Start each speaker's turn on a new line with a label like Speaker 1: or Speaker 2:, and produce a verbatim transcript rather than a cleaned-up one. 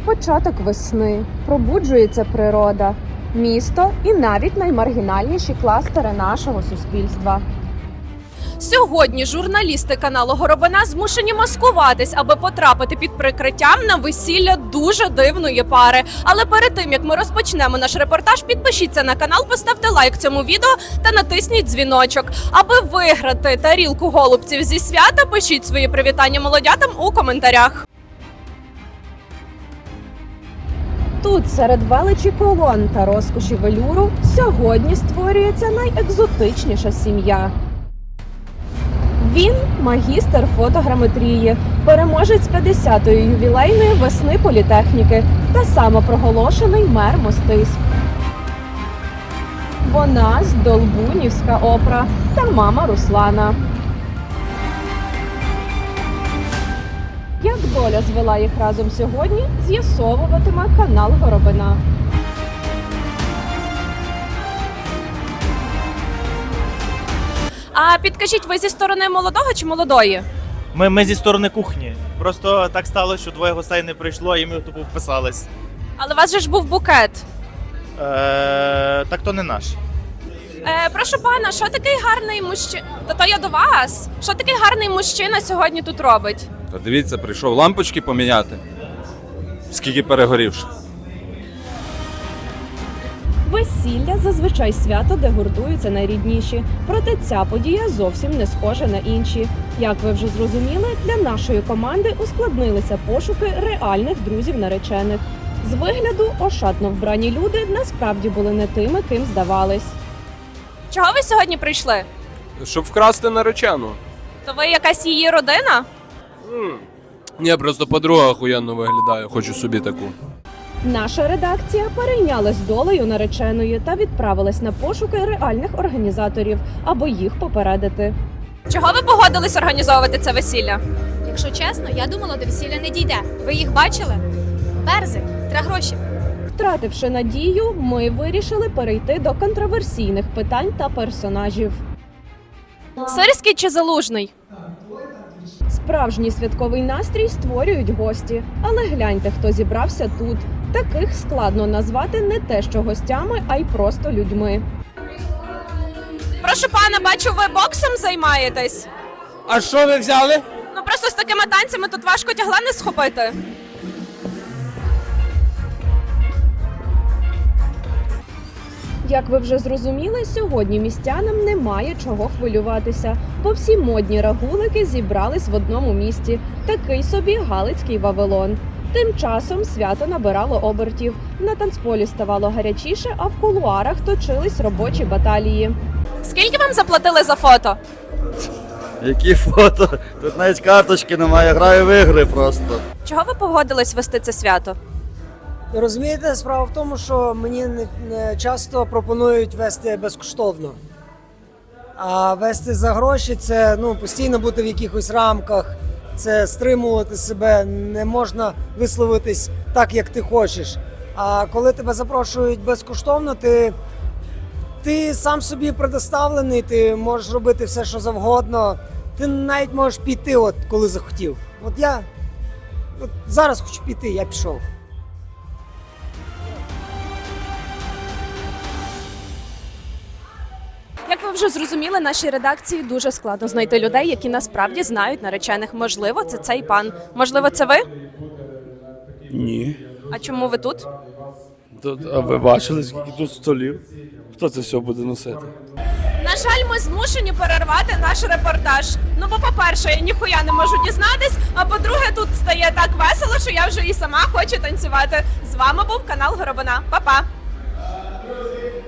Speaker 1: початок весни, пробуджується природа, місто і навіть наймаргінальніші кластери нашого суспільства.
Speaker 2: Сьогодні журналісти каналу Горобина змушені маскуватись, аби потрапити під прикриттям на весілля дуже дивної пари. Але перед тим, як ми розпочнемо наш репортаж, підпишіться на канал, поставте лайк цьому відео та натисніть дзвіночок. Аби виграти тарілку голубців зі свята, пишіть свої привітання молодятам у коментарях.
Speaker 1: Тут, серед величі колон та розкоші велюру, сьогодні створюється найекзотичніша сім'я. Він – магістр фотограметрії, переможець п'ятдесятої ювілейної весни політехніки та самопроголошений мер Мостиськ. Вона – Здолбунівська опра та мама Руслана. Як доля звела їх разом сьогодні, з'ясовуватиме канал Горобина.
Speaker 2: А підкажіть, ви зі сторони молодого чи молодої?
Speaker 3: Ми, ми зі сторони кухні. Просто так сталося, що двоє гостей не прийшло, і ми тупо вписались.
Speaker 2: Але у вас же ж був букет.
Speaker 3: Е, так то не наш.
Speaker 2: Е, прошу пана, що такий гарний мужчина? Та то я до вас. Що такий гарний мужчина сьогодні тут робить?
Speaker 4: Та дивіться, прийшов лампочки поміняти. Скільки перегорівших.
Speaker 1: Весілля – зазвичай свято, де гуртуються найрідніші. Проте ця подія зовсім не схожа на інші. Як ви вже зрозуміли, для нашої команди ускладнилися пошуки реальних друзів наречених. З вигляду ошатно вбрані люди насправді були не тими, ким здавались.
Speaker 2: Чого ви сьогодні прийшли?
Speaker 4: Щоб вкрасти наречену.
Speaker 2: То ви якась її родина?
Speaker 4: Ні, просто подруга охуєнно виглядає, хочу собі таку.
Speaker 1: Наша редакція перейнялась долею нареченої та відправилась на пошуки реальних організаторів, аби їх попередити.
Speaker 2: Чого ви погодились організовувати це весілля?
Speaker 5: Якщо чесно, я думала, до весілля не дійде. Ви їх бачили? Берзи, треба гроші.
Speaker 1: Втративши надію, ми вирішили перейти до контроверсійних питань та персонажів.
Speaker 2: Сирський чи Залужний?
Speaker 1: Справжній святковий настрій створюють гості. Але гляньте, хто зібрався тут. Таких складно назвати не те що гостями, а й просто людьми.
Speaker 2: Прошу пана, бачу, ви боксом займаєтесь?
Speaker 6: А що ви взяли?
Speaker 2: Ну просто з такими танцями тут важко тягла не схопити.
Speaker 1: Як ви вже зрозуміли, сьогодні містянам немає чого хвилюватися, бо всі модні рагулики зібрались в одному місті. Такий собі Галицький Вавилон. Тим часом свято набирало обертів. На танцполі ставало гарячіше, а в кулуарах точились робочі баталії.
Speaker 2: Скільки вам заплатили за фото?
Speaker 7: Які фото? Тут навіть карточки немає, граю в ігри просто.
Speaker 2: Чого ви погодились вести це свято?
Speaker 6: Розумієте, справа в тому, що мені не, не часто пропонують вести безкоштовно. А вести за гроші – це ну, постійно бути в якихось рамках, це стримувати себе, не можна висловитись так, як ти хочеш. А коли тебе запрошують безкоштовно, ти, ти сам собі предоставлений, ти можеш робити все, що завгодно. Ти навіть можеш піти, от, коли захотів. От я от зараз хочу піти, я пішов.
Speaker 2: Як ви вже зрозуміли, нашій редакції дуже складно знайти людей, які насправді знають наречених. Можливо, це цей пан. Можливо, це ви?
Speaker 8: Ні.
Speaker 2: А чому ви тут?
Speaker 8: Тут, а ви бачили, скільки тут столів? Хто це все буде носити?
Speaker 2: На жаль, ми змушені перервати наш репортаж. Ну, бо, по-перше, я ніхуя не можу дізнатись, а по-друге, тут стає так весело, що я вже і сама хочу танцювати. З вами був канал Горобина. Па-па!